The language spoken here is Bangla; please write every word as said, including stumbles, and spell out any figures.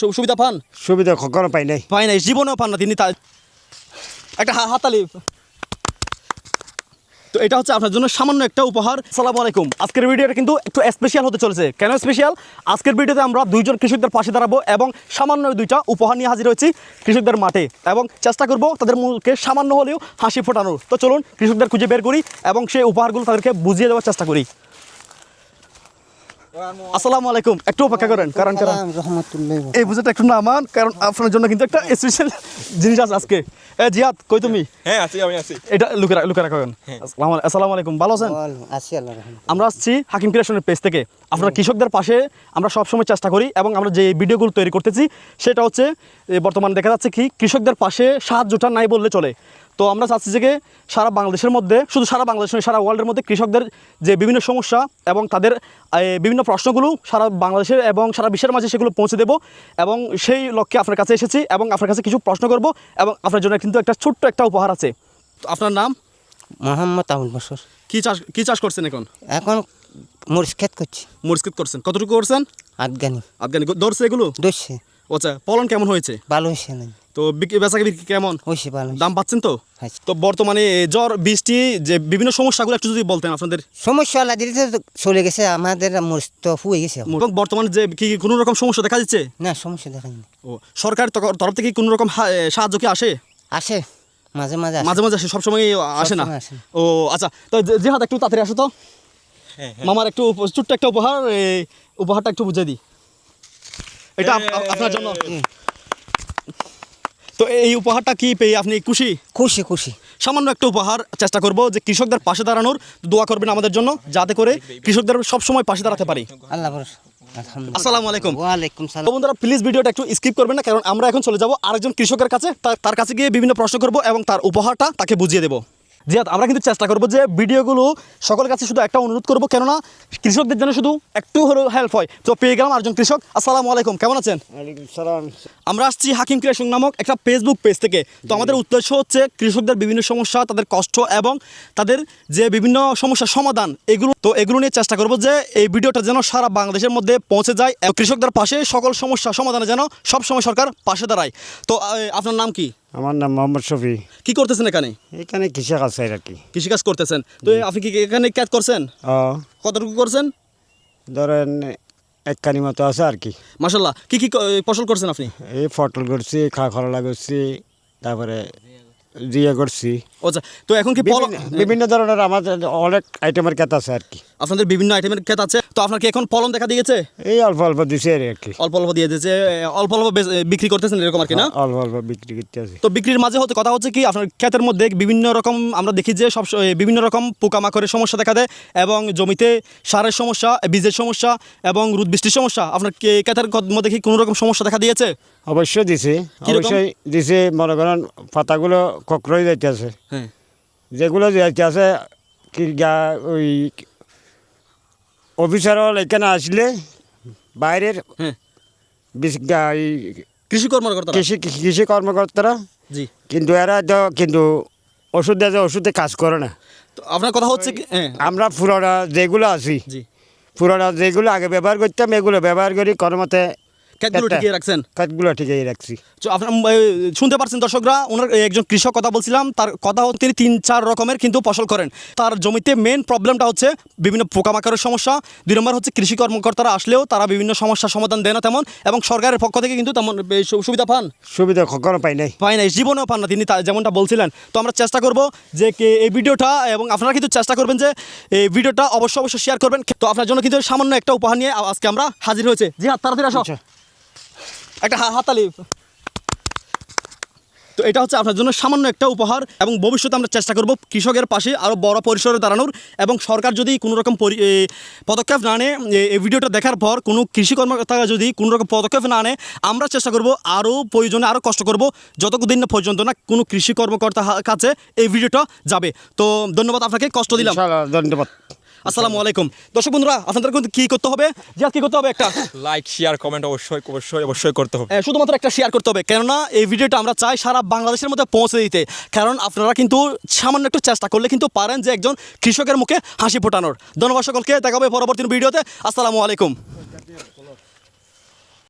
সুবিধা পান? সুবিধা কখনো পাই নাই পাই নাই, জীবনেও পান না তিনি। তা একটা হাতালি। তো এটা হচ্ছে আপনার জন্য সামান্য একটা উপহার। আসসালামু আলাইকুম। আজকের ভিডিওটা কিন্তু একটু স্পেশাল হতে চলেছে। কেন স্পেশাল? আজকের ভিডিওতে আমরা দুইজন কৃষকদের পাশে দাঁড়াবো এবং সামান্য দুইটা উপহার নিয়ে হাজির হয়েছি কৃষকদের মাঠে, এবং চেষ্টা করব তাদের মুখে সামান্য হলেও হাসি ফোটানোর। তো চলুন কৃষকদের খুঁজে বের করি এবং সেই উপহারগুলো তাদেরকে বুঝিয়ে দেওয়ার চেষ্টা করি। আসসালামু আলাইকুম। একটু অপেক্ষা করেন, কারণ কারণ এই বুঝেটা একটু নামান, কারণ আপনার জন্য কিন্তু একটা স্পেশাল জিনিস আছে আজকে। এ জিয়াদ, কই তুমি? হ্যাঁ আছি, আমি আছি। এটা লুকে লুকে রাখেন। আসসালামু আলাইকুম, ভালো আছেন? আমরা আসছি হাকিম ক্রিয়েশনের পেজ থেকে। আপনারা কৃষকদের পাশে আমরা সবসময় চেষ্টা করি, এবং আমরা যে ভিডিওগুলো তৈরি করতেছি সেটা হচ্ছে বর্তমানে দেখা যাচ্ছে কি কৃষকদের পাশে সাহায্যটা নাই বললে চলে। তো আমরা চাচ্ছি যে সারা বাংলাদেশের মধ্যে, শুধু সারা বাংলাদেশ নয়, সারা ওয়ার্ল্ডের মধ্যে কৃষকদের যে বিভিন্ন সমস্যা এবং তাদের বিভিন্ন প্রশ্নগুলো সারা বাংলাদেশের এবং সারা বিশ্বের মাঝে সেগুলো পৌঁছে দেব, এবং সেই লক্ষ্যে আপনার কাছে এসেছি এবং আপনার কাছে কিছু প্রশ্ন করব, এবং আপনার জন্য কিন্তু একটা ছোট্ট একটা উপহার আছে। তো আপনার নাম? মোহাম্মদ আবুল বসর। কী চাষ কী চাষ করছেন এখন? এখন মরিচ ক্ষেত করছি। মরিচ ক্ষেত করছেন, কতটুকু করছেন? আফগানি। আফগানি ধরছে এগুলো? ধরছে। আচ্ছা, ফলন কেমন হয়েছে? ভালো হয়েছে না? তো বিক্রি বেচাকে বিক্রি কেমন হয়েছে? ভালো। দাম পাচ্ছেন তো? তো বর্তমানে জ্বর বৃষ্টি যে বিভিন্ন সমস্যাগুলো একটু যদি বলতেন আপনাদের। সমস্যা আল্লাহ দিতে চলে গেছে, আমাদের মরিচ তো ফুয়ে গেছে। এবং বর্তমানে যে কি কোনো রকম সমস্যা দেখা যাচ্ছে? না, সমস্যা দেখা যায় না। ও, সরকার তরফ থেকে কোনো রকম সাহায্য কি আসে? আসে মাঝে মাঝে, মাঝে মাঝে আসে, সবসময় আসে না? ও আচ্ছা, তো জিহাদ একটু তাড়াতাড়ি আসো তো। মামার একটু ছোট্ট একটা উপহার, এই উপহারটা একটু বুঝিয়ে দিই। এটা আপনার জন্য। তো এই উপহারটা কি পেয়ে আপনি খুশি? খুশি খুশি। সামান্য একটা উপহার, চেষ্টা করব যে কৃষকদের পাশে দাঁড়ানোর। দোয়া করবেন আমাদের জন্য, যাতে করে কৃষকদের সবসময় পাশে দাঁড়াতে পারি। আল্লাহ। আসসালামু আলাইকুম। ওয়ালাইকুম সালাম। বন্ধুরা প্লিজ ভিডিওটা একটু স্কিপ করবেন না, কারণ আমরা এখন চলে যাব আরেকজন কৃষকের কাছে। তার কাছে গিয়ে বিভিন্ন প্রশ্ন করব এবং তার উপহারটা তাকে বুঝিয়ে দেবো। জিয়াদ, আমরা কিন্তু চেষ্টা করবো যে ভিডিওগুলো সকলের কাছে শুধু একটা অনুরোধ করবো, কেননা কৃষকদের জন্য শুধু একটু হলেও হেল্প হয়। তো পেয়ে গেলাম আরেকজন কৃষক। আসসালামু আলাইকুম, কেমন আছেন? আমরা আসছি হাকিম ক্রিয়েশন নামক একটা ফেসবুক পেজ থেকে। তো আমাদের উদ্দেশ্য হচ্ছে কৃষকদের বিভিন্ন সমস্যা, তাদের কষ্ট এবং তাদের যে বিভিন্ন সমস্যার সমাধান, এগুলো তো এগুলো নিয়ে চেষ্টা করবো যে এই ভিডিওটা যেন সারা বাংলাদেশের মধ্যে পৌঁছে যায় এবং কৃষকদের পাশে সকল সমস্যা সমাধানে যেন সবসময় সরকার পাশে দাঁড়ায়। তো আপনার নাম কি? আমার নাম মোহাম্মদ শফি। কি করতেছেন এখানে? এখানে কৃষক আছে আর কি। কৃষিকাজ করতেছেন। তো আপনি কি এখানে কাজ করছেন? কতটুকু করছেন? ধরেন এক কানি মতো আছে আর কি। মাশাআল্লাহ। কি কি ফসল করছেন আপনি? এই পটল করছি, খা খরলা করছি, তারপরে জিয়া করছি। আচ্ছা, তো এখন কি বিভিন্ন ধরনের আমাদের অনেক আইটেমের ক্ষেত আছে আর কি। আপনাদের বিভিন্ন আইটেমের ক্ষেত আছে। তো আপনার কি এখন ফলন দেখা দিয়েছে? এই অল্প অল্প দিছে আর কি। অল্প অল্প দিয়ে দিয়েছে, অল্প অল্প বিক্রি করতেছেন এরকম আর কি না? অল্প অল্প বিক্রি করতে আছে। তো বিক্রির মাঝে হচ্ছে কথা হচ্ছে কি আপনার ক্ষেতের মধ্যে বিভিন্ন রকম আমরা দেখি যে সব বিভিন্ন রকম পোকামাকড়ের সমস্যা দেখা দেয়, এবং জমিতে সারের সমস্যা, বীজের সমস্যা এবং রোদ বৃষ্টির সমস্যা। আপনার ক্ষেতের মধ্যে কি কোনো রকম সমস্যা দেখা দিয়েছে? অবশ্যই দিছে, অবশ্যই দিছে। মনে করেন পাতাগুলো ককরই যাইতে আছে। হ্যাঁ, যেগুলো যাইতে আছে কি ওই অফিসার এখানে আসলে বাইরের কৃষি কর্মকর্তা কৃষি কৃষি কর্মকর্তারা, জি, কিন্তু এরা তো কিন্তু ওষুধ দেয়, ওষুধে কাজ করে না। তো আপনার কথা হচ্ছে কি আমরা পুরোটা যেগুলো আছি, জি, পুরোটা যেগুলো আগে ব্যবহার করতাম এগুলো ব্যবহার করি কর্মতে ক্ষেতগুলো ঠিকই রাখছেন? ক্ষেতগুলো ঠিকই রাখছি। তো আপনার শুনতে পারছেন দর্শকরা, ওনার একজন কৃষক কথা বলছিলাম, তার কথা হচ্ছে তিনি তিন চার রকমের কিন্তু ফসল করেন। তার জমিতে মেন প্রবলেমটা হচ্ছে বিভিন্ন পোকামাকড়ের সমস্যা। দুই নম্বর হচ্ছে কৃষি কর্মকর্তারা আসলেও তারা বিভিন্ন সমস্যার সমাধান দেয় না তেমন, এবং সরকারের পক্ষ থেকে কিন্তু তেমন সুবিধা পান সুবিধা কখনো পাই নাই পাই নাই জীবনেও পান না তিনি, যেমনটা বলছিলেন। তো আমরা চেষ্টা করব যে এই ভিডিওটা, এবং আপনারা কিন্তু চেষ্টা করবেন যে এই ভিডিওটা অবশ্যই অবশ্যই শেয়ার করবেন। তো আপনার জন্য কিন্তু সামান্য একটা উপহার নিয়ে আজকে আমরা হাজির হয়েছে। জি হ্যাঁ, তাড়াতাড়ি আসো, একটা হাতালি। তো এটা হচ্ছে আপনার জন্য সামান্য একটা উপহার, এবং ভবিষ্যতে আমরা চেষ্টা করব কৃষকের পাশে আরও বড় পরিসরে দাঁড়ানোর। এবং সরকার যদি কোনো রকম পদক্ষেপ না নেয়, এই ভিডিওটা দেখার পর কোনো কৃষি কর্মকর্তা যদি কোনো রকম পদক্ষেপ না নেয়, আমরা চেষ্টা করব আরও প্রয়োজনে আরও কষ্ট করব, যতদিন না পর্যন্ত না কোনো কৃষি কর্মকর্তার কাছে এই ভিডিওটা যাবে। তো ধন্যবাদ আপনাকে, কষ্ট দিলাম। ধন্যবাদ। আসসালামু আলাইকুম। দর্শক বন্ধুরা, আপনাদের কিন্তু কী করতে হবে? যে কী করতে হবে? একটা লাইক, শেয়ার, কমেন্ট অবশ্যই অবশ্যই অবশ্যই করতে হবে। শুধুমাত্র একটা শেয়ার করতে হবে, কেননা এই ভিডিওটা আমরা চাই সারা বাংলাদেশের মধ্যে পৌঁছে দিতে। কারণ আপনারা কিন্তু সামান্য একটু চেষ্টা করলে কিন্তু পারেন যে একজন কৃষকের মুখে হাসি ফোটানোর। ধন্যবাদ সকলকে, দেখা হবে পরবর্তী ভিডিওতে। আসসালামু আলাইকুম।